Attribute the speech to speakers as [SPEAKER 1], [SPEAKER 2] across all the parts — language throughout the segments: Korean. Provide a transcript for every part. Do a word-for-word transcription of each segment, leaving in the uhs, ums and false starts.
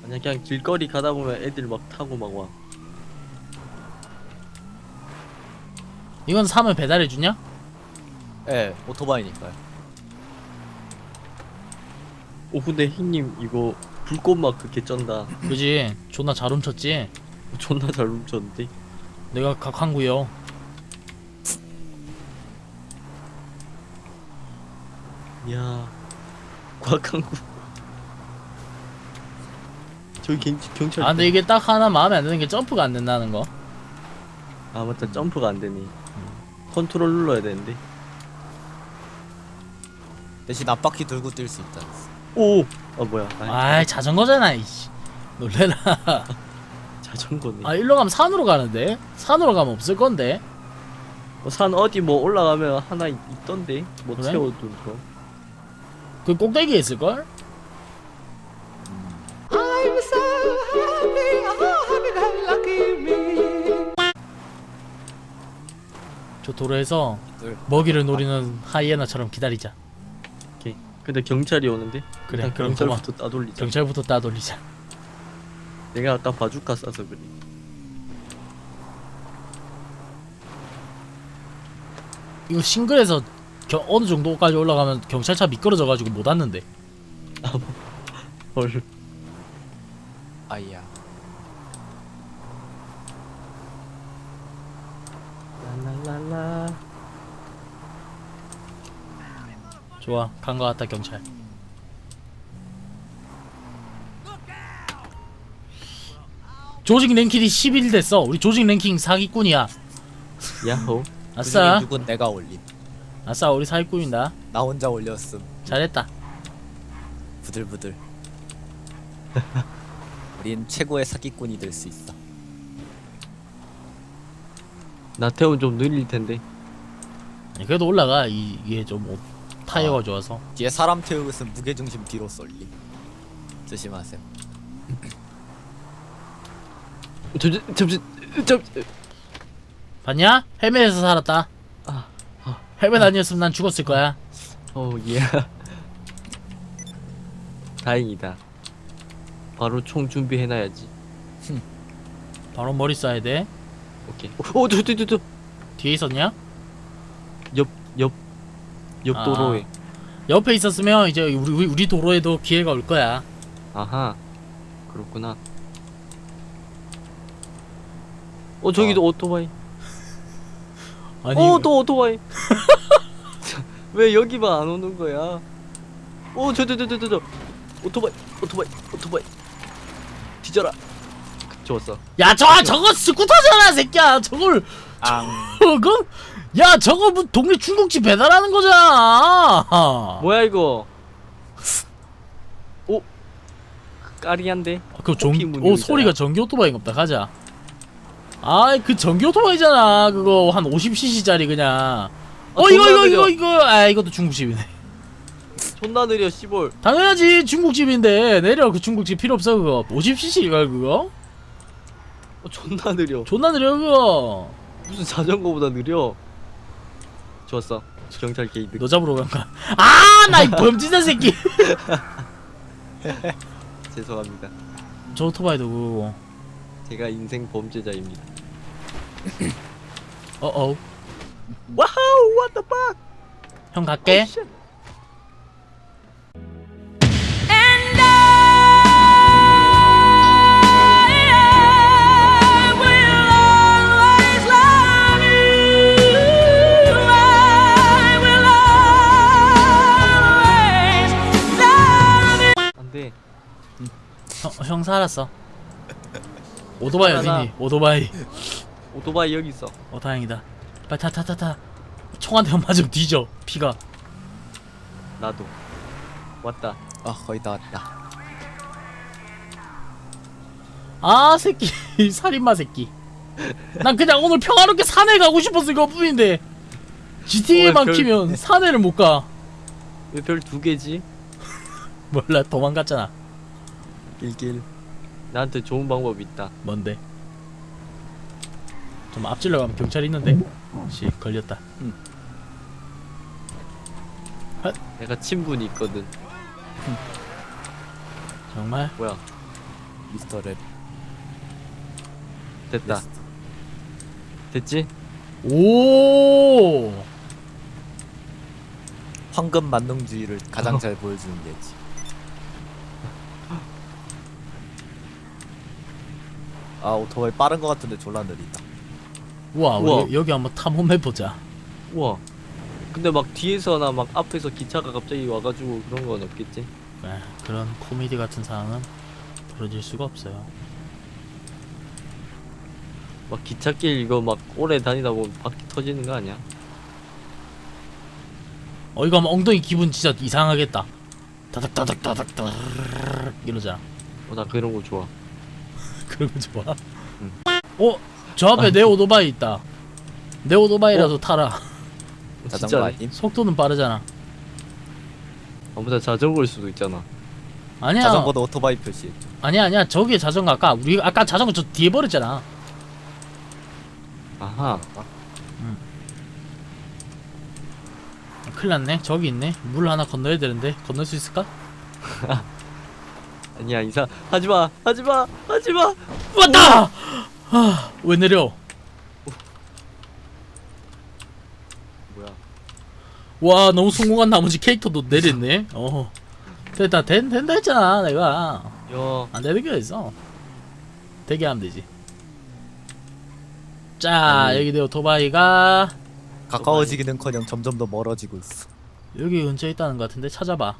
[SPEAKER 1] 아니야 그냥 길거리 가다 보면 애들 막 타고 막 와.
[SPEAKER 2] 이건 사면 배달해주냐?
[SPEAKER 3] 예, 오토바이니까요.
[SPEAKER 1] 오 근데 형님 이거 불꽃 마크 개쩐다.
[SPEAKER 2] 그지? 존나 잘 훔쳤지?
[SPEAKER 1] 존나 잘 훔쳤는데.
[SPEAKER 2] 내가 각한구요.
[SPEAKER 1] 야 곽한구. 저기 경, 경찰.
[SPEAKER 2] 아 근데 이게 딱 하나 마음에 안 드는 게 점프가 안 된다는 거.
[SPEAKER 1] 아 맞다 점프가 안 되네. 컨트롤 눌러야 되는데.
[SPEAKER 3] 대신 앞바퀴 들고 뛸 수 있다.
[SPEAKER 1] 오! 아 뭐야? 아이,
[SPEAKER 2] 아이 자전거잖아 이씨. 놀래라.
[SPEAKER 1] 자전거네.
[SPEAKER 2] 아 일로 가면 산으로 가는데? 산으로 가면 없을 건데?
[SPEAKER 1] 어, 산 어디 뭐 올라가면 하나 있, 있던데 뭐
[SPEAKER 2] 그래?
[SPEAKER 1] 채워둔 거.
[SPEAKER 2] 그 꼭대기에 있을걸?
[SPEAKER 4] I'm so happy, oh happy lucky me.
[SPEAKER 2] 저 도로에서
[SPEAKER 3] 들.
[SPEAKER 2] 먹이를 노리는 하이에나처럼 기다리자.
[SPEAKER 1] 오케이. 근데 경찰이 오는데.
[SPEAKER 2] 그래,
[SPEAKER 1] 일단
[SPEAKER 2] 그럼
[SPEAKER 1] 경찰부터 따돌리자.
[SPEAKER 2] 경찰부터 따돌리자.
[SPEAKER 1] 내가 아까 바주카 쏴서 그래.
[SPEAKER 2] 이거 싱글에서 겨, 어느 정도까지 올라가면 경찰차 미끄러져가지고 못 왔는데.
[SPEAKER 1] 헐.
[SPEAKER 3] 아이야.
[SPEAKER 1] 랄랄랄라.
[SPEAKER 2] 좋아, 간 거 같다 경찰. 조직 랭킹이 십일 됐어. 우리 조직 랭킹 사기꾼이야.
[SPEAKER 1] 야호.
[SPEAKER 2] 아싸,
[SPEAKER 3] 그중에 육은 내가 올림.
[SPEAKER 2] 아싸, 우리 사기꾼이다.
[SPEAKER 3] 나 혼자 올렸음.
[SPEAKER 2] 잘했다.
[SPEAKER 3] 부들부들. 우린 최고의 사기꾼이 될 수 있어.
[SPEAKER 1] 나태훈 좀 느릴 텐데.
[SPEAKER 2] 아니, 그래도 올라가. 이, 이게 좀 오- 타이어가
[SPEAKER 3] 아.
[SPEAKER 2] 좋아서.
[SPEAKER 3] 뒤에 사람 태우고 있으면 무게중심 뒤로 쏠림. 조심하세요.
[SPEAKER 1] 잠시 잠시 잠시.
[SPEAKER 2] 봤냐? 헬멧에서 살았다.
[SPEAKER 1] 아, 아.
[SPEAKER 2] 헬멧 아니었으면 난 죽었을 거야.
[SPEAKER 1] 어 예. 다행이다. 바로 총 준비해놔야지.
[SPEAKER 2] 바로 머리 쏴야 돼.
[SPEAKER 1] 오케이. 오, 저, 저, 저, 저.
[SPEAKER 2] 뒤에 있었냐?
[SPEAKER 1] 옆, 옆, 옆
[SPEAKER 2] 아.
[SPEAKER 1] 도로에.
[SPEAKER 2] 옆에 있었으면 이제 우리 우리, 우리 도로에도 기회가 올 거야.
[SPEAKER 1] 아하. 그렇구나. 어, 저기도
[SPEAKER 3] 어.
[SPEAKER 1] 오토바이.
[SPEAKER 2] 아니,
[SPEAKER 1] 어, 또 오토바이. 왜 여기만 안 오는 거야? 오, 저, 저, 저, 저, 저, 저. 오토바이, 오토바이, 오토바이. 뒤져라. 그, 좋았어.
[SPEAKER 2] 야, 저 저거 스쿠터잖아, 새끼야. 저걸
[SPEAKER 3] 앙.
[SPEAKER 2] 저거 야, 저거 뭐 동네 중국집 배달하는 거잖아.
[SPEAKER 1] 뭐야 이거? 오, 까리한데.
[SPEAKER 2] 그 전,
[SPEAKER 1] 커피
[SPEAKER 2] 오
[SPEAKER 1] 문율이잖아.
[SPEAKER 2] 소리가 전기 오토바이인가 보다. 가자. 아이, 그 전기 오토바이잖아. 그거 한 오십 씨씨짜리 그냥. 어, 이거
[SPEAKER 1] 존나
[SPEAKER 2] 이거
[SPEAKER 1] 느려.
[SPEAKER 2] 이거 이거. 아, 이것도 중국집이네.
[SPEAKER 1] 존나 느려 씨볼.
[SPEAKER 2] 당연하지. 중국집인데 내려. 그 중국집 필요 없어 그거. 오십 씨씨가 그거?
[SPEAKER 1] 어, 존나 느려.
[SPEAKER 2] 존나 느려 그거.
[SPEAKER 1] 무슨 자전거보다 느려. 좋았어. 경찰 게이드.
[SPEAKER 2] 너 잡으러 간가? 아, 나 이 범죄자 새끼.
[SPEAKER 1] 죄송합니다.
[SPEAKER 2] 저 오토바이도 그거고.
[SPEAKER 1] 제가 인생 범죄자입니다.
[SPEAKER 2] 어어.
[SPEAKER 1] 와우, what the fuck?
[SPEAKER 2] 형 갈게.
[SPEAKER 1] Oh, shit.
[SPEAKER 4] And I will always love you. I will always love you.
[SPEAKER 1] 안 돼.
[SPEAKER 2] 형, 형 살았어. 오토바이
[SPEAKER 1] 하나.
[SPEAKER 2] 어디니? 오토바이.
[SPEAKER 1] 오토바이 여기 있어.
[SPEAKER 2] 어 다행이다. 빨리 타 타 타 타. 총 한 대만 맞으면 뒤져. 피가.
[SPEAKER 1] 나도. 왔다.
[SPEAKER 3] 아, 거의 다 왔다.
[SPEAKER 2] 아 새끼. 살인마 새끼. 난 그냥 오늘 평화롭게 산에 가고 싶었을 것뿐인데 지티에이만
[SPEAKER 1] 어, 별-
[SPEAKER 2] 키면 산에를 못 가.
[SPEAKER 1] 왜 별 두 개지?
[SPEAKER 2] 몰라, 도망갔잖아.
[SPEAKER 1] 길길. 나한테 좋은 방법이 있다.
[SPEAKER 2] 뭔데? 좀 앞질러 가면 경찰이 있는데. 씨, 걸렸다.
[SPEAKER 1] 내가 친분이 있거든.
[SPEAKER 2] 정말?
[SPEAKER 1] 뭐야?
[SPEAKER 3] 미스터 랩.
[SPEAKER 1] 됐다.
[SPEAKER 3] 예스.
[SPEAKER 1] 됐지?
[SPEAKER 2] 오.
[SPEAKER 3] 황금 만능주의를 가장
[SPEAKER 1] 어.
[SPEAKER 3] 잘 보여주는 예지. 아 오토바이 빠른 거 같은데 졸라 느리다.
[SPEAKER 2] 우와,
[SPEAKER 1] 우와.
[SPEAKER 2] 우리 여기 한번 탐험해 보자.
[SPEAKER 1] 우와. 근데 막 뒤에서나 막 앞에서 기차가 갑자기 와가지고 그런 건 없겠지?
[SPEAKER 2] 네, 그런 코미디 같은 상황은 벌어질 수가 없어요.
[SPEAKER 1] 막 기찻길 이거 막 오래 다니다 보면 바퀴 터지는 거 아니야?
[SPEAKER 2] 어 이거 하면 엉덩이 기분 진짜 이상하겠다. 다닥다닥 다닥다닥 이러잖아.
[SPEAKER 1] 어, 나 그런 거 좋아.
[SPEAKER 2] 그런 거 좋아.
[SPEAKER 1] 응.
[SPEAKER 2] 어? 저 앞에 내 오토바이 있다. 내 오토바이라도 타라.
[SPEAKER 3] 자전거
[SPEAKER 1] 진짜네.
[SPEAKER 3] 아님?
[SPEAKER 2] 속도는 빠르잖아.
[SPEAKER 1] 아무튼 자전거일 수도 있잖아.
[SPEAKER 2] 아니야.
[SPEAKER 3] 자전거도 오토바이 표시.
[SPEAKER 2] 아니야 아니야. 저기에 자전거 아까 우리 아까 자전거 저 뒤에 버렸잖아.
[SPEAKER 1] 아하.
[SPEAKER 2] 큰일 났네. 저기 있네. 물 하나 건너야 되는데 건널 수 있을까?
[SPEAKER 1] 아니야 이사 하지마 하지마 하지마.
[SPEAKER 2] 왔다! 아, 왜 내려?
[SPEAKER 1] 뭐야?
[SPEAKER 2] 와 너무 성공한 나머지 캐릭터도 내렸네. 어 됐다 된, 된다 했잖아 내가.
[SPEAKER 1] 야.
[SPEAKER 2] 안 되는 게 있어. 되게 하면 되지. 자
[SPEAKER 1] 아니.
[SPEAKER 2] 여기 내 오토바이가
[SPEAKER 3] 가까워지기는커녕 점점 더 멀어지고 있어.
[SPEAKER 2] 여기 근처에 있다는 것 같은데 찾아봐.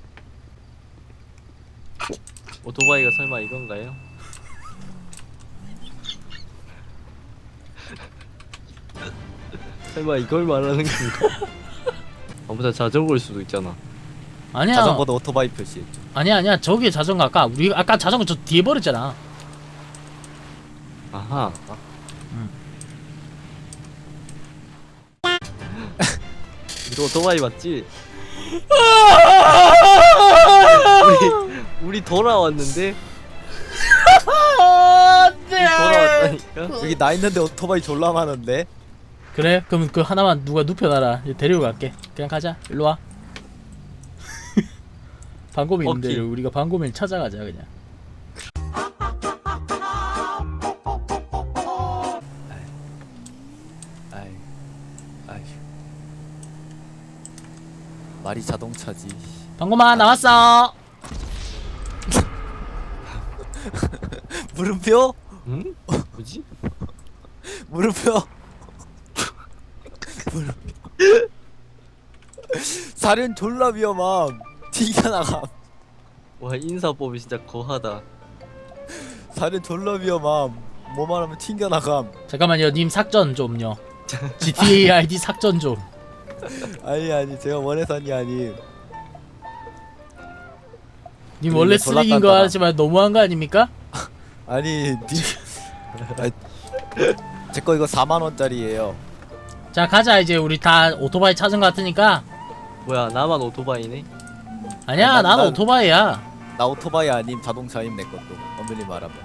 [SPEAKER 1] 오토바이가 설마 이건가요? 설마 이걸 말하는 건가? 아무튼 자전거일 수도 있잖아.
[SPEAKER 2] 아니야
[SPEAKER 3] 자전거도 오토바이 표시.
[SPEAKER 2] 아니야 아니야 저기에 자전거 아까 우리 아까 자전거 저 뒤에 버렸잖아.
[SPEAKER 1] 아하. 이거 오토바이 맞지? 우리 우리 돌아왔는데 돌아왔다니까.
[SPEAKER 3] 여기 나 있는데 오토바이 졸라 많은데?
[SPEAKER 2] 그래? 그럼 그 하나만 누가 눕혀놔라. 이제 데리고 갈게. 그냥 가자. 일로 와. 방곰이 있는데
[SPEAKER 1] 오케이.
[SPEAKER 2] 우리가 방곰이를 찾아가자 그냥.
[SPEAKER 3] 아이, 아이. 말이 자동차지.
[SPEAKER 2] 방곰아 나왔어.
[SPEAKER 3] 물음표?
[SPEAKER 1] 응? 뭐지?
[SPEAKER 3] 물음표? 물음표. 사륜 졸라 위험함. 튀겨나감.
[SPEAKER 1] 와 인사법이 진짜 거하다.
[SPEAKER 3] 사륜 졸라 위험함. 뭐만 하면 튕겨나감.
[SPEAKER 2] 잠깐만요. 님 삭전 좀요. 지티에이 아이디 삭전 좀.
[SPEAKER 3] 아니 아니 제가 원해서 한게 아니.
[SPEAKER 2] 님
[SPEAKER 3] 그리고
[SPEAKER 2] 원래
[SPEAKER 3] 졸라
[SPEAKER 2] 쓰레기인 거
[SPEAKER 3] 딴따라.
[SPEAKER 2] 알지만 너무한 거 아닙니까?
[SPEAKER 3] 아니 제 거 이거 사만 원짜리예요.
[SPEAKER 2] 자 가자 이제 우리 다 오토바이 찾은 거 같으니까.
[SPEAKER 1] 뭐야 나만 오토바이네?
[SPEAKER 2] 아니야
[SPEAKER 3] 난-
[SPEAKER 2] 난
[SPEAKER 3] 난-
[SPEAKER 2] 오토바이야.
[SPEAKER 3] 나 오토바이 아님 자동차임 내 것도. 엄밀히 말하면.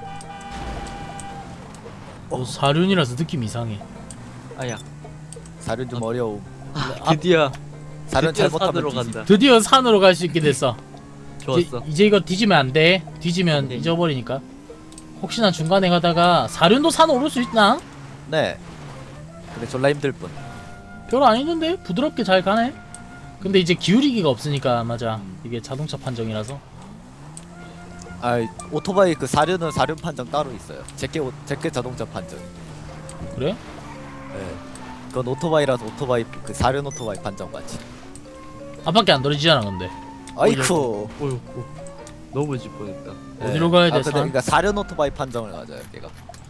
[SPEAKER 2] 어, 사륜이라서 느낌 이상해.
[SPEAKER 1] 아야.
[SPEAKER 3] 사륜 좀 어려움.
[SPEAKER 2] 아,
[SPEAKER 1] 드디어
[SPEAKER 3] 사륜
[SPEAKER 1] 드디어
[SPEAKER 3] 잘못하면
[SPEAKER 1] 산으로
[SPEAKER 3] 뒤집.
[SPEAKER 1] 간다.
[SPEAKER 2] 드디어 산으로 갈 수 있게 됐어.
[SPEAKER 1] 좋았어.
[SPEAKER 2] 이제, 이제 이거 뒤지면 안 돼. 뒤지면
[SPEAKER 1] 네.
[SPEAKER 2] 잊어버리니까. 혹시나 중간에 가다가 사륜도 산 오를 수 있나?
[SPEAKER 3] 네. 근데 졸라 힘들 뿐.
[SPEAKER 2] 별로 안 힘든데 부드럽게 잘 가네. 근데 이제 기울이기가 없으니까 맞아.
[SPEAKER 3] 음.
[SPEAKER 2] 이게 자동차 판정이라서.
[SPEAKER 3] 아 오토바이 그 사륜은 사륜 판정 따로 있어요. 제게 오- 제게 자동차 판정.
[SPEAKER 2] 그래?
[SPEAKER 3] 네. 그건 오토바이라서 오토바이 그 사륜 오토바이 판정 같이.
[SPEAKER 2] 앞밖에 안 떨어지잖아 근데.
[SPEAKER 3] 아이쿠.
[SPEAKER 1] 어휴, 어, 넘어질 뻔했다.
[SPEAKER 2] 어디로 가야 돼,
[SPEAKER 3] 아, 근데
[SPEAKER 2] 산?
[SPEAKER 3] 그러니까 사륜 오토바이 판정을 가져요, 걔가.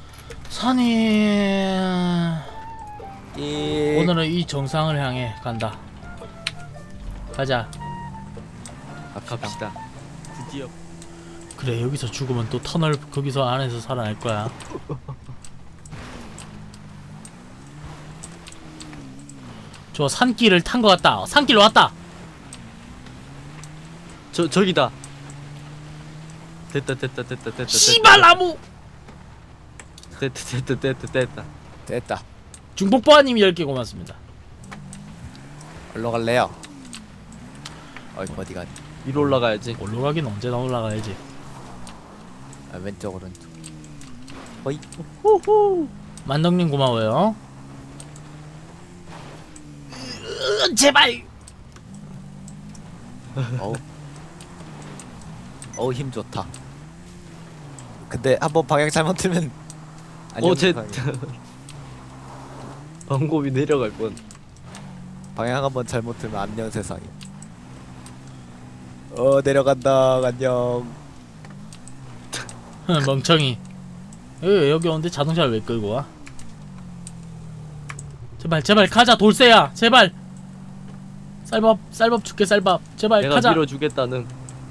[SPEAKER 2] 산이
[SPEAKER 3] 이
[SPEAKER 2] 오늘은 이 정상을 향해 간다. 가자.
[SPEAKER 1] 갑시다. 드디어.
[SPEAKER 2] 그래 여기서 죽으면 또 터널 거기서 안에서 살아날 거야. 저 산길을 탄 것 같다. 산길 왔다.
[SPEAKER 1] 저 저기다. 됐다 됐다 됐다 됐다.
[SPEAKER 2] 씨발 나무.
[SPEAKER 1] 됐다 됐다 됐다 됐다.
[SPEAKER 3] 됐다.
[SPEAKER 2] 중복보아님이 열 개 고맙습니다.
[SPEAKER 3] 올라갈래요? 어이 어디 가니?
[SPEAKER 1] 위로 올라가야지.
[SPEAKER 2] 올라가긴 언제나 올라가야지.
[SPEAKER 3] 아, 왼쪽 오른쪽. 어이.
[SPEAKER 1] 호호.
[SPEAKER 2] 만덕님 고마워요. 으, 제발.
[SPEAKER 3] 어우. 어우 힘 좋다. 근데 한번 방향 잘못 틀면 안녕
[SPEAKER 1] 어제
[SPEAKER 3] 세상에.
[SPEAKER 1] 방법이 내려갈 뻔.
[SPEAKER 3] 방향 한번 잘못 틀면 안녕 세상에. 어 내려간다 안녕.
[SPEAKER 2] 멍청이. 여기, 여기 오는데 자동차를 왜 끌고 와? 제발 제발 가자 돌쇠야 제발. 쌀밥 쌀밥 줄게 쌀밥 제발
[SPEAKER 1] 내가
[SPEAKER 2] 가자.
[SPEAKER 1] 밀어주겠다는.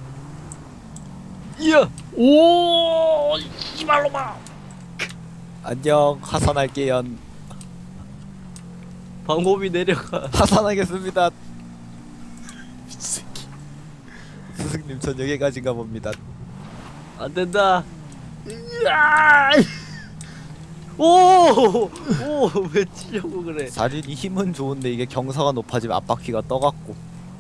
[SPEAKER 1] 이야.
[SPEAKER 2] 오 이발로 봐.
[SPEAKER 3] 안녕 하산할게요.
[SPEAKER 1] 방법이 내려가.
[SPEAKER 3] 하산하겠습니다.
[SPEAKER 2] 미친 새끼.
[SPEAKER 3] 스승님 전 여기까지인가 봅니다.
[SPEAKER 1] 안 된다.
[SPEAKER 2] 으아!
[SPEAKER 1] 오! 오! 왜 치려고 그래?
[SPEAKER 3] 사륜이 힘은 좋은데 이게 경사가 높아지면 앞바퀴가 떠갖고.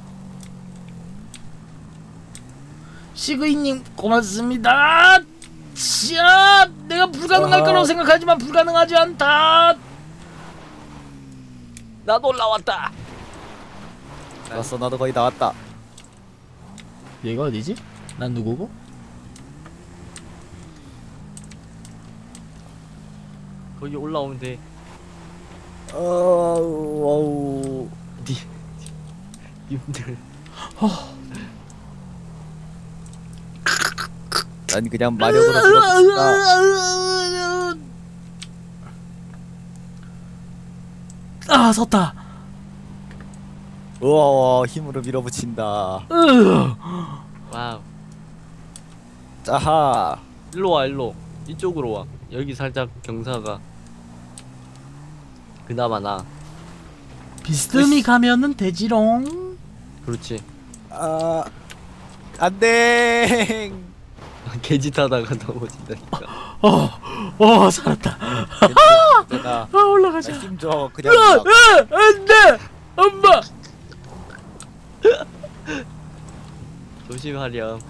[SPEAKER 2] 시그이님 고맙습니다. 자, 내가 불가능할
[SPEAKER 3] 아하.
[SPEAKER 2] 거라고 생각하지만 불가능하지 않다.
[SPEAKER 1] 나도 올라왔다.
[SPEAKER 3] 왔어 나도 거의 다 왔다.
[SPEAKER 2] 얘가 어디지? 난 누구고?
[SPEAKER 1] 거기 올라오면 돼.
[SPEAKER 3] 어우 어우.
[SPEAKER 1] 니, 님들.
[SPEAKER 3] 난 그냥 마력으로 밀어붙인다.
[SPEAKER 2] 아, 섰다.
[SPEAKER 3] 우와 힘으로 밀어붙인다.
[SPEAKER 2] 으.
[SPEAKER 1] 와우.
[SPEAKER 3] 짜하.
[SPEAKER 1] 일로 와, 일로. 이쪽으로 와. 여기 살짝 경사가. 그나마 나.
[SPEAKER 2] 비스듬히 가면은 되지롱.
[SPEAKER 1] 그렇지.
[SPEAKER 3] 아 안돼.
[SPEAKER 1] 개짓 하다가 넘어진다니까.
[SPEAKER 2] 어, 어, 살았다.
[SPEAKER 3] 내가
[SPEAKER 2] 아, 올라가자.
[SPEAKER 3] 힘줘 그냥
[SPEAKER 2] 으아,
[SPEAKER 3] 올라가.
[SPEAKER 2] 으아, 안 돼! 엄마!
[SPEAKER 1] 조심하렴.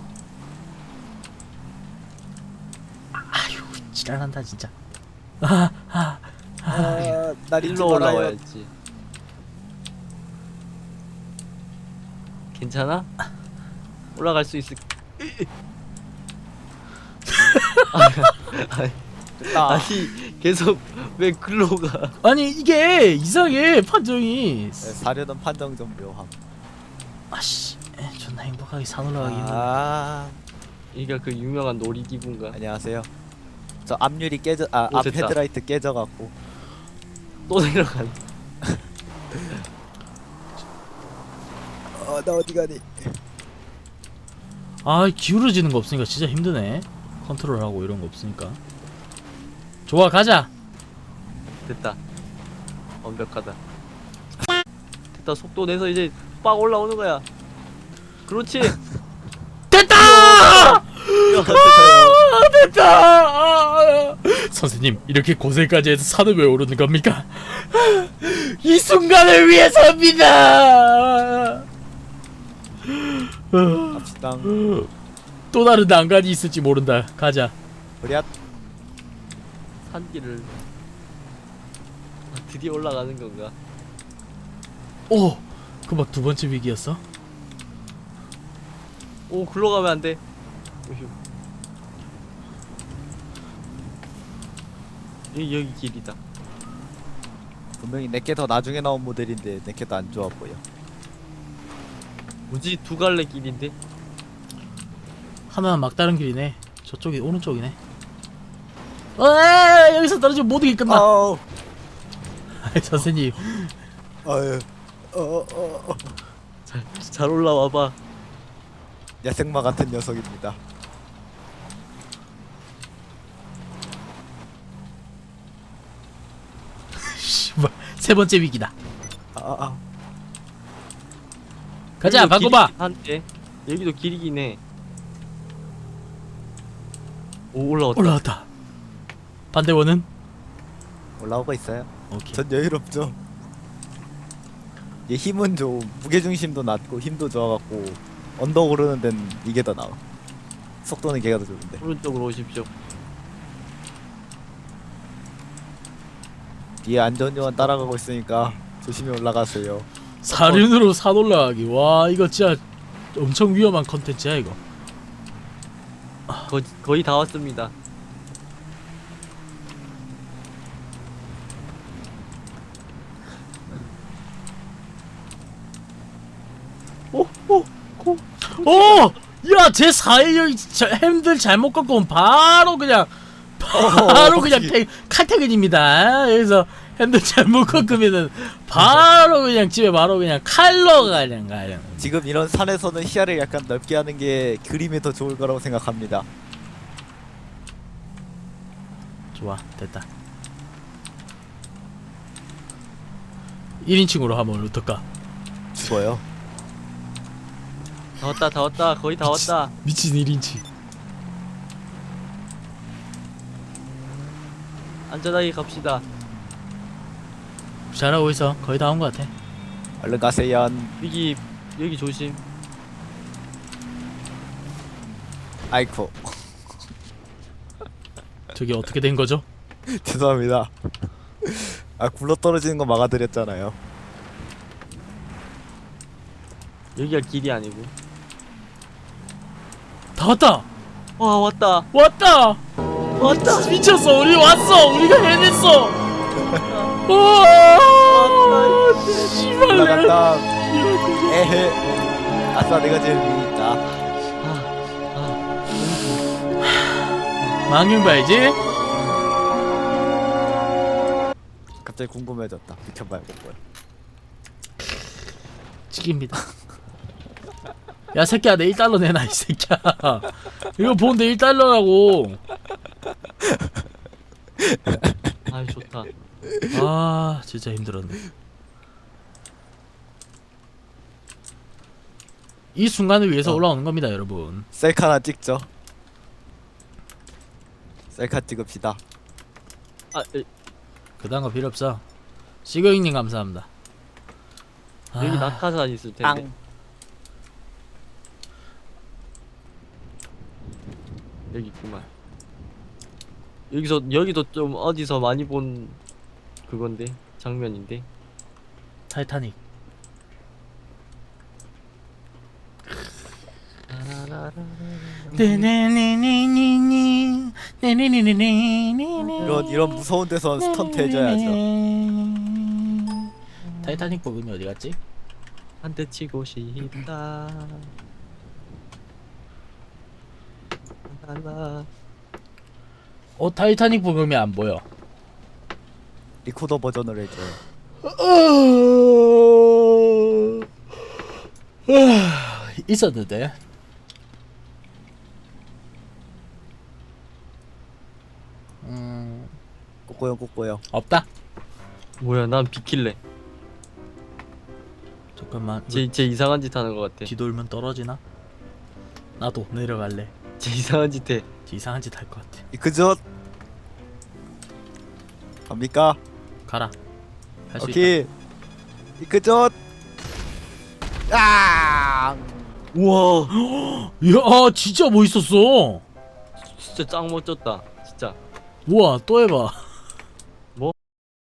[SPEAKER 2] 아휴, 지랄한다, 진짜. 아, 아,
[SPEAKER 3] 아, 날 잊지
[SPEAKER 1] 일로
[SPEAKER 3] 말아요.
[SPEAKER 1] 올라와야지. 괜찮아? 올라갈 수 있을.
[SPEAKER 3] 됐다.
[SPEAKER 1] 아니 계속 왜 글로 가?
[SPEAKER 2] 아니, 이게 이상해, 판정이.
[SPEAKER 3] 네, 사려는 판정 좀 묘함.
[SPEAKER 2] 아씨, 에, 존나 행복하게 산 올라가기 힘들어.
[SPEAKER 3] 아
[SPEAKER 1] 이게 그 유명한 놀이기구인가?
[SPEAKER 3] 안녕하세요. 저 앞유리 깨져 아
[SPEAKER 1] 오,
[SPEAKER 3] 앞
[SPEAKER 1] 됐다.
[SPEAKER 3] 헤드라이트 깨져갖고.
[SPEAKER 1] 또 내려간.
[SPEAKER 3] 어나 어디 가니?
[SPEAKER 2] 아, 기울어지는 거 없으니까 진짜 힘드네. 컨트롤하고 이런 거 없으니까. 좋아, 가자.
[SPEAKER 1] 됐다. 완벽하다. 됐다. 속도 내서 이제 빡 올라오는 거야. 그렇지.
[SPEAKER 2] 됐다!
[SPEAKER 1] 야, 됐다.
[SPEAKER 2] 아, 됐다! 아, 선생님, 이렇게 고생까지 해서 산을 왜 오르는 겁니까? 이 순간을 위해서입니다!
[SPEAKER 3] 갑시다.
[SPEAKER 2] 또 다른 난간이 있을지 모른다. 가자.
[SPEAKER 3] 우리야
[SPEAKER 1] 산길을 아, 드디어 올라가는 건가?
[SPEAKER 2] 오! 그 막 두 번째 위기였어?
[SPEAKER 1] 오, 글로 가면 안 돼. 오휴. 여기 여기 길이다.
[SPEAKER 3] 분명히 내게 더 나중에 나온 모델인데 내게 더 안 좋아 보여.
[SPEAKER 1] 뭐지? 두 갈래 길인데?
[SPEAKER 2] 하나는 막다른 길이네. 저쪽이 오른쪽이네. 어, 여기서 떨어지면 모든 게 끝나.
[SPEAKER 3] 아우.
[SPEAKER 2] 아이, 선생님.
[SPEAKER 3] 아유. 어어 어.
[SPEAKER 1] 잘, 잘 올라와 봐.
[SPEAKER 3] 야생마 같은 녀석입니다.
[SPEAKER 2] 씨발, 세 번째 위기다.
[SPEAKER 3] 아, 아.
[SPEAKER 2] 가자,
[SPEAKER 1] 여기도
[SPEAKER 2] 바꿔봐.
[SPEAKER 1] 길이긴 한데. 여기도 길이긴 해. 오, 올라왔다.
[SPEAKER 2] 올라왔다. 반대원은?
[SPEAKER 3] 올라오고 있어요.
[SPEAKER 2] 오케이.
[SPEAKER 3] 전 여유롭죠. 얘 힘은 좀 무게중심도 낮고 힘도 좋아갖고 언덕 오르는 데는 이게 더 나아. 속도는 걔가 더 좋은데.
[SPEAKER 1] 오른쪽으로 오십시오.
[SPEAKER 3] 뒤에 안전요원 따라가고 있으니까 조심히 올라가세요.
[SPEAKER 2] 사륜으로 산 올라가기. 와 이거 진짜 엄청 위험한 컨텐츠야 이거.
[SPEAKER 1] 거, 거의 다 왔습니다. 오! 오! 고!
[SPEAKER 2] 오! 야, 제 사일 여기 저 핸들 잘못 꺾으면 바로 그냥 바로 그냥 퇴, 칼퇴근입니다. 여기서 핸들 잘못 꺾으면은 바로 그냥 집에 바로 그냥 칼로 그냥 가요.
[SPEAKER 3] 지금 이런 산에서는 시야를 약간 넓게 하는 게 그림이 더 좋을 거라고 생각합니다.
[SPEAKER 2] 좋아, 됐다. 일 인칭으로 하면 어떨까?
[SPEAKER 3] 죽어요.
[SPEAKER 1] 다 왔다, 다 왔다, 거의 다 왔다.
[SPEAKER 2] 미친 일 인칭.
[SPEAKER 1] 안전하게 갑시다.
[SPEAKER 2] 잘하고 있어. 거의 다 온 것 같아.
[SPEAKER 3] 얼른 가세요.
[SPEAKER 1] 여기, 여기 조심.
[SPEAKER 3] 아이쿠.
[SPEAKER 2] 저게 어떻게 된 거죠?
[SPEAKER 3] 죄송합니다. 아 굴러 떨어지는 거 막아드렸잖아요.
[SPEAKER 1] 여기가 길이 아니고.
[SPEAKER 2] 다 왔다.
[SPEAKER 1] 와, 왔다.
[SPEAKER 2] 왔다.
[SPEAKER 1] 왔다.
[SPEAKER 2] 미쳤어. 우리 왔어. 우리가 해냈어. 우와. 씨발.
[SPEAKER 3] 올라간다.
[SPEAKER 2] 이럴 거죠.
[SPEAKER 3] 에헤. 아싸 내가 제일 위에 있다.
[SPEAKER 1] 아, 아.
[SPEAKER 2] 망경 봐야지.
[SPEAKER 3] 갑자기 궁금해졌다. 비켜봐야 뭐야.
[SPEAKER 2] 찍입니다. 야 새끼야 내 일 달러 내놔 이 새끼야. 이거 보는데 일 달러라고.
[SPEAKER 1] 아, 좋다.
[SPEAKER 2] 아 진짜 힘들었네. 이 순간을 위해서
[SPEAKER 3] 어.
[SPEAKER 2] 올라오는 겁니다 여러분.
[SPEAKER 3] 셀카 하나 찍죠. 셀카 찍읍시다.
[SPEAKER 1] 아, 에,
[SPEAKER 2] 그다음 거 필요 없어. 시거잉님 감사합니다.
[SPEAKER 1] 여기
[SPEAKER 2] 아,
[SPEAKER 1] 낙하산 있을 텐데. 여기 있구만. 여기서 여기도 좀 어디서 많이 본 그건데 장면인데.
[SPEAKER 2] 타이타닉. 네네네네네네 네네네네네네
[SPEAKER 3] 이런 이런 무서운 데서 스턴트 해줘야죠.
[SPEAKER 2] 타이타닉 복음이 어디 갔지?
[SPEAKER 1] 한 대 치고 싶다. 달라.
[SPEAKER 2] 어 타이타닉 복음이 안 보여.
[SPEAKER 3] 리코더 버전으로 해줘요.
[SPEAKER 2] 있었는데. 음
[SPEAKER 3] 꼬꼬요 꼬꼬요.
[SPEAKER 2] 없다.
[SPEAKER 1] 뭐야, 난 비킬래.
[SPEAKER 2] 잠깐만.
[SPEAKER 1] 제, 제 이상한 짓 하는 것 같아.
[SPEAKER 2] 뒤돌면 떨어지나? 나도 내려갈래.
[SPEAKER 1] 제 이상한 짓 해.
[SPEAKER 2] 이상한 짓 할 것 같아.
[SPEAKER 3] 이크젓 갑니까?
[SPEAKER 2] 가라. 할 수 있다.
[SPEAKER 3] 오케이. 이크젓. 아!
[SPEAKER 1] 우와,
[SPEAKER 2] 야 진짜 멋있었어.
[SPEAKER 1] 진짜 짱 멋졌다. 진짜.
[SPEAKER 2] 우와 또 해봐.
[SPEAKER 1] 뭐?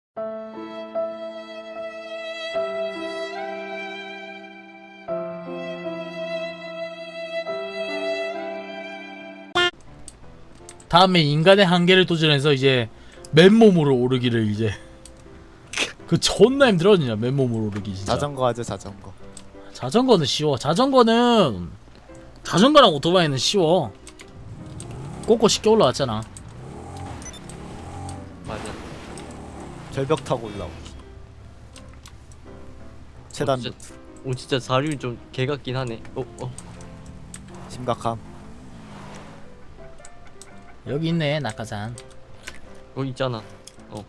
[SPEAKER 2] 다음에 인간의 한계를 도전해서 이제 맨몸으로 오르기를 이제 그 존나 힘들어 진짜 맨몸으로 오르기 진짜.
[SPEAKER 3] 자전거 하죠 자전거.
[SPEAKER 2] 자전거는 쉬워. 자전거는 자전거랑 오토바이는 쉬워. 꼬꼬 쉽게 올라왔잖아.
[SPEAKER 1] 맞아.
[SPEAKER 3] 절벽 타고 올라오기. 최단
[SPEAKER 1] 어, 진짜, 오, 진짜 사륜이 좀 개같긴 하네. 어, 어.
[SPEAKER 3] 심각함.
[SPEAKER 2] 여기 있네 낙하산.
[SPEAKER 1] 거기 있잖아. 어.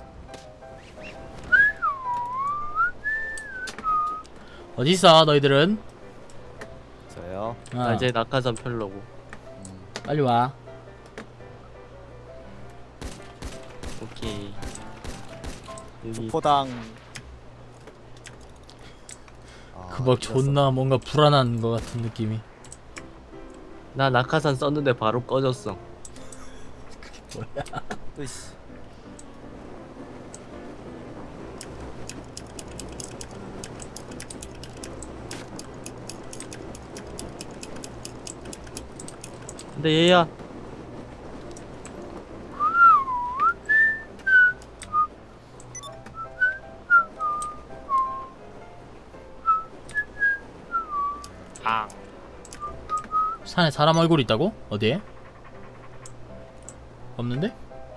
[SPEAKER 2] 어디 있어 너희들은?
[SPEAKER 3] 저요.
[SPEAKER 2] 어,
[SPEAKER 1] 나 이제 낙하산 펴려고.
[SPEAKER 3] 음,
[SPEAKER 2] 빨리 와.
[SPEAKER 1] 오케이. 여기
[SPEAKER 3] 포당. 아,
[SPEAKER 2] 그 막
[SPEAKER 3] 이겼어.
[SPEAKER 2] 존나 뭔가 불안한 것 같은 느낌이.
[SPEAKER 1] 나 낙하산 썼는데 바로 꺼졌어.
[SPEAKER 3] 으이씨.
[SPEAKER 1] 근데 얘야.
[SPEAKER 2] 산에 사람 얼굴 있다고? 어디에? 없는데?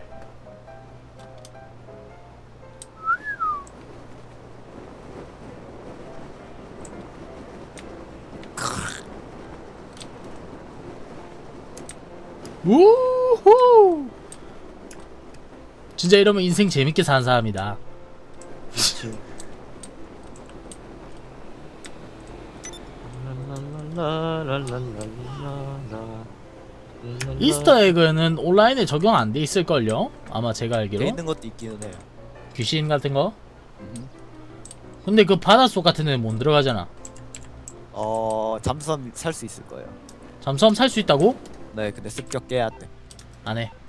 [SPEAKER 2] 우후! 진짜 이러면 인생 재밌게 사는 사람이다.
[SPEAKER 1] 그치.
[SPEAKER 2] 이스터에그는 온라인에 적용 안 돼 있을걸요? 아마 제가
[SPEAKER 3] 돼
[SPEAKER 2] 알기로
[SPEAKER 3] 있는 것도 있기는 해요.
[SPEAKER 2] 귀신 같은 거?
[SPEAKER 3] 음.
[SPEAKER 2] 근데 그 바닷속 같은 데는 못 들어가잖아.
[SPEAKER 3] 어 잠수함 살 수 있을 거예요.
[SPEAKER 2] 잠수함 살 수 있다고?
[SPEAKER 3] 네, 근데 습격 깨야 돼.
[SPEAKER 2] 안 해.